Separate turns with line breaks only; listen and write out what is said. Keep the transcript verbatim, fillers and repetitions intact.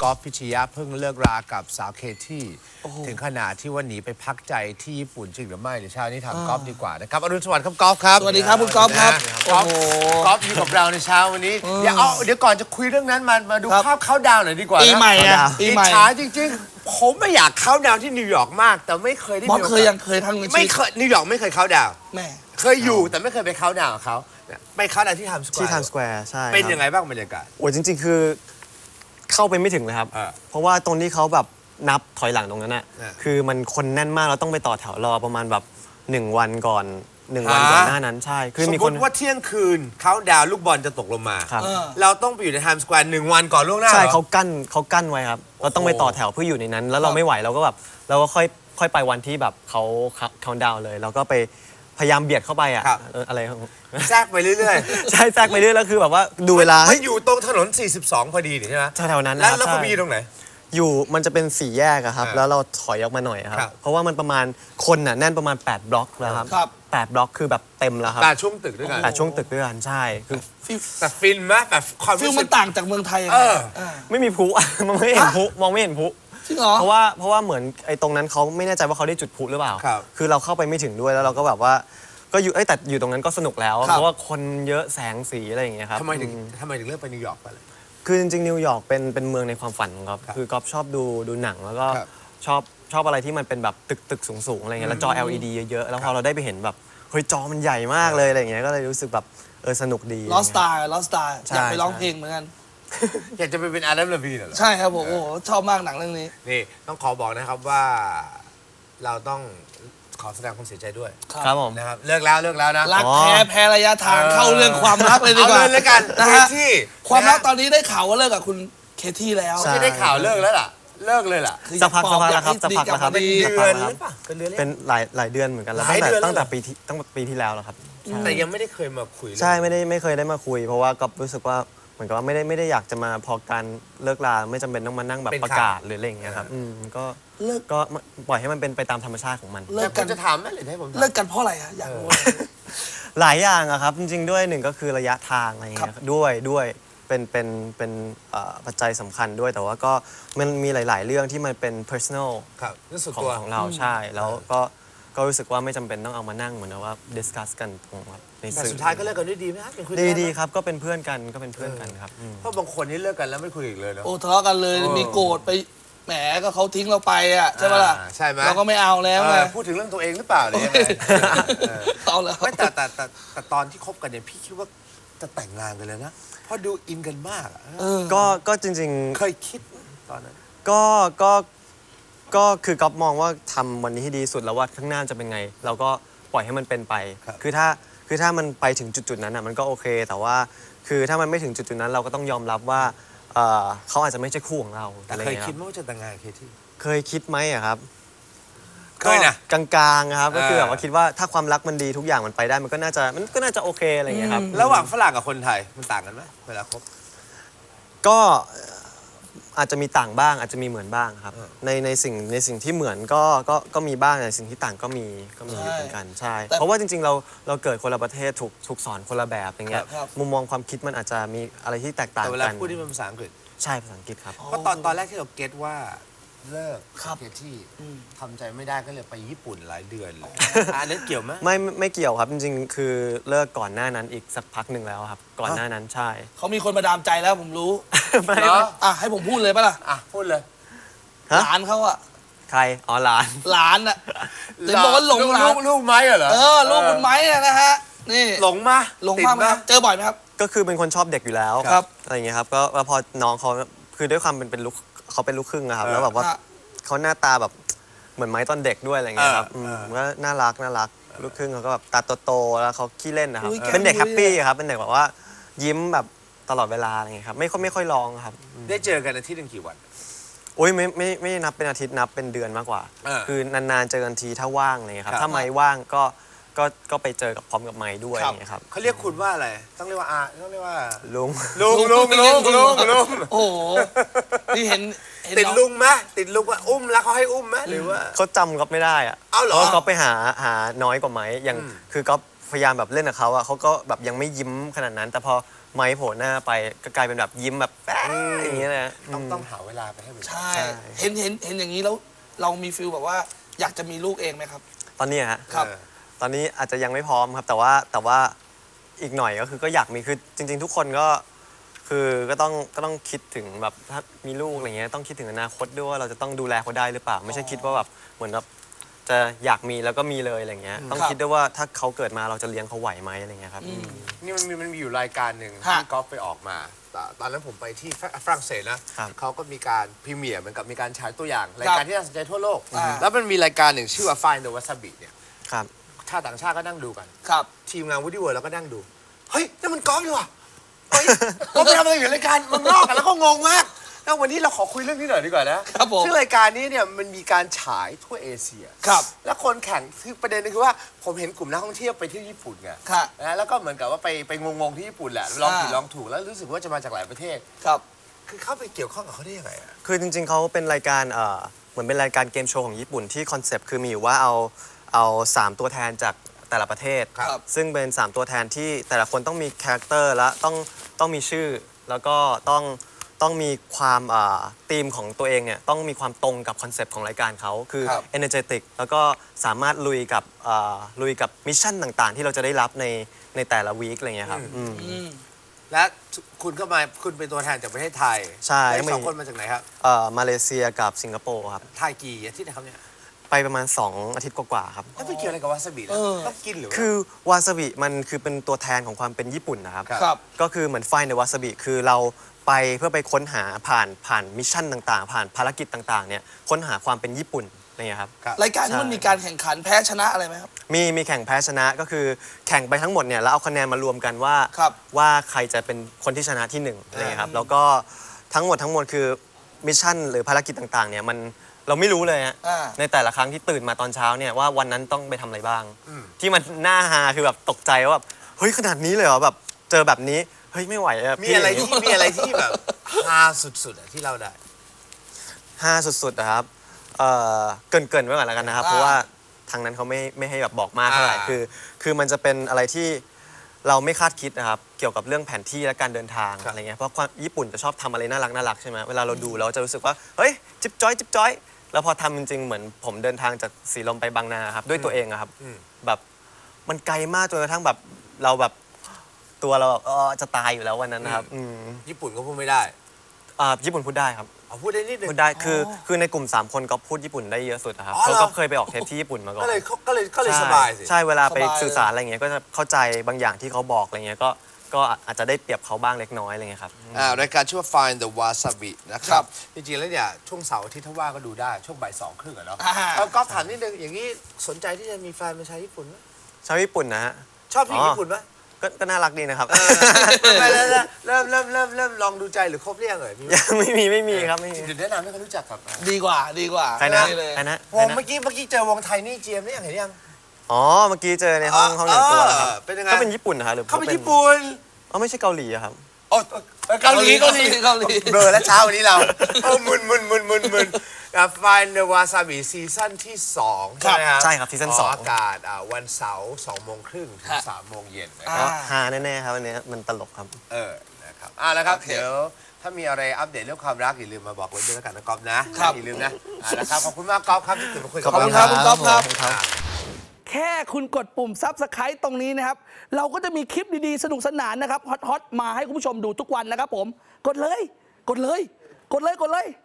กอล์ฟพิชยะเพิ่งเลิกรากับสาวเคที่ถึงขนาดที่ว่าหนีไปพักใจที่ญี่ปุ่นจริงหรือไม่เดี๋ยวเช้านี้ถามกอล์ฟดีกว่านะครับอรุณสวัสดิ์ครับกอล์ฟครับ
สวัสดีครับคุณกอล์ฟครับ
กอล์ฟกอล์ฟอยู่กับเราในเช้าวันนี้เดี๋ยวเอาเดี๋ยวก่อนจะคุยเรื่องนั้นมามาดูภาพเข้าดาวหน่อยดีกว่า
ปีใหม่อะปีใหม่
ช้าจริงๆผมไม่อยากเข้าดาวที่นิวยอร์กมากแต่ไม่เคยได้
มอสเคยยังเคยทั้ง
ไม่เคยนิวยอร์กไม่เคยเข้าดาว
แม่
เคยอยู่แต่ไม่เคยไปเข้าดาวกับเขาไปเข้าดาวที่ไทม์สแควร์
ที่ไทม์สแควร์ใช่
เป็นยังไงบ้างบรรยากาศ
โอ้ยจริงๆคือเข้าไปไม่ถึงเลยครับเพราะว่าตรงที่เขาแบบนับถอยหลังตรงนั้นน่ะคือมันคนแน่นมากเราต้องไปต่อแถวรอประมาณแบบหนึ่งวันก่อนหนึ่งวันก่อนหน้านั้นใช่
คือมีคนว่าเที่ยงคืนเขาดาวลูกบอลจะตกลงมาเราต้องไปอยู่ในไทม์สแควร์หนึ่งวันก่อนล่วงหน้า
ใช่เขากั้นเขากั้นไว้ครับเราต้องไปต่อแถวเพื่ออยู่ในนั้นแล้วเราไม่ไหวเราก็แบบเราก็ค่อยค่อยไปวันที่แบบเขาเขาดาวเลยเราก็ไปพยายามเบียดเข้าไปอ่ะอะไร
แทรกไปเรื่อย
ๆใช่แทรกไปเรื่อยแล้วคือแบบว่าดูเวลา
ไม่อยู่ตรงถนนสี่สิบสองพอดีใช่ไหม
แถวๆนั้น
แล้วแล้วคุณมีตรงไหน
อยู่มันจะเป็นสี่แยกอะครับแล้วเราถอยออกมาหน่อยครับเพราะว่ามันประมาณคนน่ะแน่นประมาณแปดบล็อกแล้วครับแปดบล็อกคือแบบเต็มแล้วครับ
แปดช่วงตึกด้วยกัน
แปดช่วงตึกด้วยกันใช่คือ
แต่ฟินไหมแบบความ
ฟิลมันต่างจากเมืองไทย
ไม่มีพลุมองไม่เห็นพลุมองไม่เห็นพลุเพราะว่าเพราะว่าเหมือนไอ้ตรงนั้นเขาไม่แน่ใจว่าเขาได้จุดพลุหรือเปล่าคือเราเข้าไปไม่ถึงด้วยแล้วเราก็แบบว่าก็อยู่แต่อยู่ตรงนั้นก็สนุกแล้วเพราะว่าคนเยอะแสงสีอะไรอย่างเงี้ยครับ
ทำไมถึงทำไมถึงเลือกไปนิวยอร์กไปเลย
คือจริงๆนิวยอร์กเป็นเป็นเมืองในความฝันครับคือก๊อฟชอบดูดูหนังแล้วก็ชอบชอบอะไรที่มันเป็นแบบตึกตึกสูงๆอะไรเงี้ยแล้วจอ แอล อี ดี เยอะๆแล้วพอเราได้ไปเห็นแบบเฮ้ยจอมันใหญ่มากเลยอะไรเงี้ยก็เลยรู้สึกแบบเออสนุกดี
ลอสตาร์ลอสตาร์อยากไปร้องเพลงเหมือนกัน
อยากจะไปเป็นอาร์เรมลาวีนเหรอ
ใช่ครับผมโอ้ชอบมากหนังเรื่องนี้
นี่ต้องขอบอกนะครับว่าเราต้องขอแสดงความเสียใจด้วย
ครับผม
นะครับเลิกแล้วเลิกแล้วนะ
รักแพ้แพ้ระยะทางเข้าเรื่องความรักเลยดีกว่า
เอาเลยกัน
นะฮะความรักตอนนี้ได้ข่าวว่าเลิกกับคุณเคที่แล้ว
ไม่ได้ข่าวเลิกแล้วล่ะเลิกเลยล่ะ
สักพักสักพักแล้วครับสักพักแล้วครับ
เป็นเดือนหรือเปล่า
เป็นเดือนเป็นหลายหลายเดือนเหมือนกันแล้วตั้งแต่ตั้งแต่ปีที่ตั้งปีที่แล้วแล้วครับ
แต่ยังไม่ได้เคยมาคุย
ใช่ไม่ได้ไม่เคยได้มาคุยเพราะว่าก็รู้สึกว่าเหมือนกับว่าไม่ได้ไม่ได้อยากจะมาพอการเลิกลาไม่จำเป็นต้องมานั่งแบบประกาศหรืออะไรอย่างเงี้ยครับอืมก็
เลิก
ก็ปล่อยให้มันเป็นไปตามธรรมชาติของมัน
เลิกกันจะถามไหมหรือให้ผม
เลิกกันเพราะอะไรอะอยากรู้
หลายอย่างอะครับจริงๆด้วยหนึ่งก็คือระยะทางอะไรอย่างเงี้ยด้วยด้วยเป็นเป็นเป็นปัจจัยสำคัญด้วยแต่ว่าก็มันมีหลายๆเรื่องที่มันเป็น personal ของของเราใช่แล้วก็ก็รู้สึกว่าไม่จำเป็นต้องเอามานั่งเหมือนว่า discuss กันตรงใน
สื่อแต่สุดท้ายก็เลิกกันด้วยดีไหมครับ
ดีดีครับก็เป็นเพื่อนกันก็เป็นเพื่อนกันครับ
เพราะบางคนนี่เลิกกันแล้วไม่คุยอีกเลยเนาะ
โอ้ทะเลาะกันเลยมีโกรธไปแหมก็เขาทิ้งเราไปอ่ะใช่ไหมล่ะ
ใช่ไหม
เราก็ไม่เอาแล้วไง
พูดถึงเรื่องตัวเองหรือเปล่าเลย
เอาแล้ว
ไม่แต่แต่แต่ตอนที่คบกันเนี่ยพี่คิดว่าจะแต่งงานกันเลยนะเพราะดูอินกันมาก
ก็ก็จริงๆ
เคยคิดตอนนั้น
ก็ก็ก็คือก๊อฟมองว่าทำวันนี้ให้ดีสุดแล้วว่าข้างหน้าจะเป็นไงเราก็ปล่อยให้มันเป็นไปคือถ้าคือถ้ามันไปถึงจุดๆนั้นอ่ะมันก็โอเคแต่ว่าคือถ้ามันไม่ถึงจุดๆนั้นเราก็ต้องยอมรับว่าเขาอาจจะไม่ใช่คู่ของเรา
แต่เคยคิดว่าจะแต่งงานเคที่
เคยคิดไหมอะครับ
เคยนะ
กลางๆครับก็คือแบบว่าคิดว่าถ้าความรักมันดีทุกอย่างมันไปได้มันก็น่าจะมันก็น่าจะโอเคอะไรอย่างเงี้ยครับ
ระหว่างฝรั่งกับคนไทยมันต่างกันไหมเวลาคบ
ก็อาจจะมีต่างบ้างอาจจะมีเหมือนบ้างครับในในสิ่งในสิ่งที่เหมือนก็ก็ก็มีบ้างในสิ่งที่ต่างก็มีก็มีเหมือนกันใช่เพราะว่าจริงๆเราเราเกิดคนละประเทศถูกถูกสอนคนละแบบอย่างเงี้ยมุมมองความคิดมันอาจจะมีอะไรที่แตกต่างกัน
แต่เวลาพูดที่เป็นภาษาอังกฤษ
ใช่ภาษาอังกฤษครับ
เพราะตอนตอนแรกที่เราเก็ตว่าเลิกเคที่ทำใจไม่ได้ก็เลยไปญี่ปุ่นหลายเดือนเลยอันนั้นเกี่ยวไหม
ไม่ไม่เกี่ยวครับจริงๆคือเลิกก่อนหน้านั้นอีกสักพักหนึ่งแล้วครับก่อนหน้านั้นใช่
เขามีคนมาดามใจแล้วผมรู้ไม่อ่ะให้ผมพูดเลยปะล่ะ
อ่ะพูดเลย
หลานเขาอะ
ใครอ๋อหลาน
หลานอะเห็นบอกว่าหลงหลาน
ลูกไม้เหรอ
เออลูกคุณไม้นะฮะนี่
หลงมา
หลงมากไหมครับเจอบ่อยไหมครับ
ก็คือเป็นคนชอบเด็กอยู่แล้ว
ครับ
อะไรอย่างเงี้ยครับก็พอน้องเขาคือด้วยความเป็นเป็นลูกเขาเป็นลูกครึ่งนะครับแล้วแบบว่าเขาหน้าตาแบบเหมือนไม้ตอนเด็กด้วยอะไรเงี้ยครับก็น่ารักน่ารักลูกครึ่งเขาก็แบบตาโตๆแล้วเขาขี้เล่นนะครับเป็นเด็กแฮปปี้ครับเป็นเด็กแบบว่ายิ้มแบบตลอดเวลาอะไรเงี้ยครับไม่ค่อยไม่ค่อยร้องครับ
ได้เจอกันอาทิตย์หนึ่งกี่วัน
โอ้ยไม่ไม่ไม่นับเป็นอาทิตย์นับเป็นเดือนมากกว่าคือนานๆเจอกันทีถ้าว่างอะไรเงี้ยครับถ้าไม้ว่างก็ก็ก็ไปเจอกับพร้อมกับไม้ด้วยอย่างเงี้ยครับ
เขาเรียกคุณว่าอะไรต้องเรียกว่าอาต้องเรียกว่า
ลุง
ลุงลุงลุงลุงลุง
โอ้โหนี่เห็น
ติดลุงไหมติดลุงว่าอุ้มแล้วเขาให้อุ้มไหมหรือว่า
เขาจำก๊อฟไม่ได้อะ
เอาเหรอ
เพราะก๊อฟไปหาหาน้อยกว่าไม้อย่างคือก๊อฟพยายามแบบเล่นกับเขาอะเขาก็แบบยังไม่ยิ้มขนาดนั้นแต่พอไม้โผล่หน้าไปก็กลายเป็นแบบยิ้มแบบแป๊ะอย่างเงี้ยนะ
ต้องต้องหาเวลาไปให้มัน
ใช่เห็นเห็นเห็นอย่างนี้แล้วเรามีฟิลแบบว่าอยากจะมีลูกเองไหมครับ
ตอนนี้ฮะ
ครับ
เออ
ตอนนี้อาจจะยังไม่พร้อมครับ แต่ว่าแต่ว่าอีกหน่อยก็คือก็อยากมีคือจริง ๆ ทุกคนก็คือก็ต้องก็ต้องคิดถึงแบบถ้ามีลูกอะไรเงี้ยต้องคิดถึงอนาคตด้วยว่าเราจะต้องดูแลเขาได้หรือเปล่า ไม่ใช่คิดว่าแบบเหมือนแบบจะอยากมีแล้วก็มีเลยอะไรเงี้ยต้อง
ครับ
คิดด้วยว่าถ้าเขาเกิดมาเราจะเลี้ยงเขาไหวไหมอะไรเงี้ยครับ
นี่มันมีมันมีอยู่รายการหนึ่ง
ฮะ
ที่ก๊อฟไปออกมาตตอนนั้นผมไปที่ฝฝรั่งเศสนะครับ เขาก็มีการพรีเมียร์เหมือนกับมีการฉายตัวอย่าง รายการที่น่าสนใจทั่วโลก
อ่า
แล้วมันมีรายการหนึ่งชื่อว่า Find the Wasabi เนี่ย
ครับ
ชาติต่างชาติก็นั่งดูกัน
ครับ
ทีมงานวูดดี้เวิร์ดแล้วก็นั่งดู เฮ้ยนั่นมันก๊อฟดีว่ะเฮ้ยก๊อฟไปทำอะไรอยู่รายการเมืองนอกกันแล้วก็งงมากแล้ววันนี้เราขอคุยเรื่องนี้หน่อยดีกว่านะครับ
ผม
ซึ่งรายการนี้เนี่ยมันมีการฉายทั่วเอเชีย
ครับ
และคนแข่งคือประเด็นนึงคือว่าผมเห็นกลุ่มนักท่องเที่ยวไปที่ญี่ปุ่นไง
ครับ
นะแล้วก็เหมือนกับว่าไปไปงงๆที่ญี่ปุ่นแหละลองผิด
อ่า
ลองถูกแล้วรู้สึกว่าจะมาจากหลายประเทศ
ครับ
คือเข้าไปเกี่ยวข้องกับเขาได้ยังไงอะ
คือจริงๆเขาเป็นรายการเอ่อเหมือนเป็นรายการเกมโชว์ของญี่ปุ่นที่คอนเซปต์คือมีอยู่ว่าเอาเอาสามตัวแทนจากแต่ละประเทศ
ครับ
ซึ่งเป็นสามตัวแทนที่แต่ละคนต้องมีคาแรคเตอร์และต้องต้องมีชื่อ แล้วก็ต้องต้องมีความธีมของตัวเองเนี่ยต้องมีความตรงกับคอนเซปต์ของรายการเขาคือ
ครับ
energetic แล้วก็สามารถลุยกับเอ่อลุยกับมิชชั่นต่างๆ ที่เราจะได้รับในในแต่ละวีคอะไรเงี้ยครับอืม
อืม
และคุณก็มาคุณเป็นตัวแทนจากประเทศไทย
ใช่
แล้วอีกสองคนมาจากไหนครับ
เอ่อมาเลเซียกับสิงคโปร์ครับ
ไทยกี่อาทิตย์นะครับเนี่ย
ไปประมาณ สอง อาทิตย์กว่าๆครับ
แล้วไปเกี่ยวอะไรกับวาซาบินะ
เออ
ต้องกินหรือว่า
คือวาซาบิมันคือเป็นตัวแทนของความเป็นญี่ปุ่นนะครับ
ครับ
ครับ
ก็คือเหมือนไฟในวาซาบิคือเราไปเพื่อไปค้นหาผ่านผ่านมิชชั่นต่างๆ ผ่านภารกิจต่างๆเนี่ยค้นหาความเป็นญี่ปุ่นอะไรเงี้ยครับ
ครับ
รายการนี้มันมีการแข่งขันแพ้ชนะอะไรไหมครับ
มีมีแข่งแพ้ชนะก็คือแข่งไปทั้งหมดเนี่ยแล้วเอาคะแนนมารวมกันว่า
ครับ
ว่าใครจะเป็นคนที่ชนะที่หนึ่งอะไรเงี้ยครับแล้วก็ทั้งหมดทั้งมวลคือมิชชั่นหรือภารกิจต่างๆเนี่ยมันเราไม่รู้เลยฮะ
อ่า
ในแต่ละครั้งที่ตื่นมาตอนเช้าเนี่ยว่าวันนั้นต้องไปทำอะไรบ้าง
อืม
ที่มันน่าฮาคือแบบตกใจว่าแบบเฮ้ยขนาดนี้เลยเหรอแบบเจอแบบนี้เฮ้ยไม่ไหวอะ
มี
พี่
อะไรที่มีอะไรที่แบบฮาสุดๆอะที่เราได้
ฮาสุดๆนะครับเอ่อเกรินเกินๆไว้ก่อนแล้วกันนะครับ
อ่า
เพราะว่าทางนั้นเขาไม่ไม่ให้แบบบอกมากเท่าไหร่
อ่า
คือ คือมันจะเป็นอะไรที่เราไม่คาดคิดนะครับเกี่ยวกับเรื่องแผนที่และการเดินทางอะไรเงี้ยเพราะความญี่ปุ่นจะชอบทำอะไรน่ารักน่ารักใช่ไหมเวลาเราดูเราจะรู้สึกว่าเฮ้ยจิ๊บจ้อยจิ๊บจ้อยแล้วพอทำจริงๆเหมือนผมเดินทางจากสีลมไปบางนาครับด้วยตัวเองอะครับ
อืม
แบบมันไกลมากจนกระทั่งแบบเราแบบตัวเราแบบเออจะตายอยู่แล้ววันนั้นนะครับอืม
ญี่ปุ่นก็พูดไม่ได้
อ่าญี่ปุ่นพูดได้ครับ
เอาพูดได้นิดนึง
พูดได้คือคือในกลุ่ม สาม คนก็พูดญี่ปุ่นได้เยอะสุดอะครับ
อ๋อเหรอ
เขาก็เคยไปออกเทปที่ญี่ปุ่นมาก่อน
ก็เลยก็เลยก็เลย
ใช่
สบายสิ
ใช่เวลาไป
สบาย
สื่อสารอะไรเงี้ยก็จะเข้าใจบางอย่างที่เขาบอกอะไรเงี้ยก็ก็อาจจะได้เปรียบเขาบ้างเล็กน้อยอะไรเงี้ยครับ
อ่ารายการชื่อว่า Find the Wasabi นะครับ จริงๆ แล้วเนี่ย ช่วงเสาร์อาทิตย์ถ้าว่างก็ดูได้ ช่วงบ่ายสองครึ่งอะเนาะ
อ่า
เอาก๊อฟถามนิดนึง อย่างนี้สนใจที่จะมีแฟนเป็นชาวญี่ปุ่นไหม
ชาวญี่ปุ่นนะฮะ
ชอบผู้หญิง
อ๋อ
ญี่ปุ่นไหม
ก็ก็น่ารักดีนะครับ
ไม่แล้วแล้วเริ่มเริ่มเริ่มเริ่มลองดูใจหรือคบเรียงเลยมีไหม
ยังไม่มีไม่มีครับไม่มี
เดี๋ยวแนะนำให้เขารู้จักกับ
ดีกว่าดีกว่า
ใครนะ
เลย
ใครนะ
วงเมื่อกี้เมื่อกี้เจอวงไทยนี่เจียมนี่ยังเห็นยัง
อ๋อเมื่อกี้เจอในห้องห้องแต่งตัวแล้วครับ
เออเป็นยังไง
ก็เป็นญี่ปุ่นนะครับหรือ
เขาเป็นญี่ปุ่น
อ๋อไม่ใช่เกาหลีอะครับ
โอ้เกาหลีเกาหลี
เกาหลี
เบลอแล้วเช้าวันนี้เราเออมึนมึนมึนมึนมึนกับ Find the Wasabi ซีซั่นที่สองใช่ไหมครับ
ใช่ครับซีซั่นสอง
กอากาศอ่าวันเสาร์สองโมงครึ่งถึงสามโมงเย็นนะค
ก็
รับ
ฮาแน่ๆครับวันนี้มันตลกครับ
เออนะครับอ่าแล้วครับ
โอเค
เดี๋ยวถ้ามีอะไรอัปเดตเรื่องความรักอย่าลืมมาบอกไว้ด้วยแล้วกันนะก๊อฟนะครับ อย่าลืมนะอ่านะครับขอบคุณมากก๊อฟครับที่ตื่นมาคุยกับ
ขอบคุณค
เรา
รับคุณก๊อฟครับ
อ่า
แค่คุณกดปุ่ม Subscribe ตรงนี้นะครับ เราก็จะมีคลิปดีๆ สนุกสนานนะครับ ฮอตๆ มาให้คุณผู้ชมดูทุกวันนะครับผม กดเลย กดเลย กดเลย กดเลย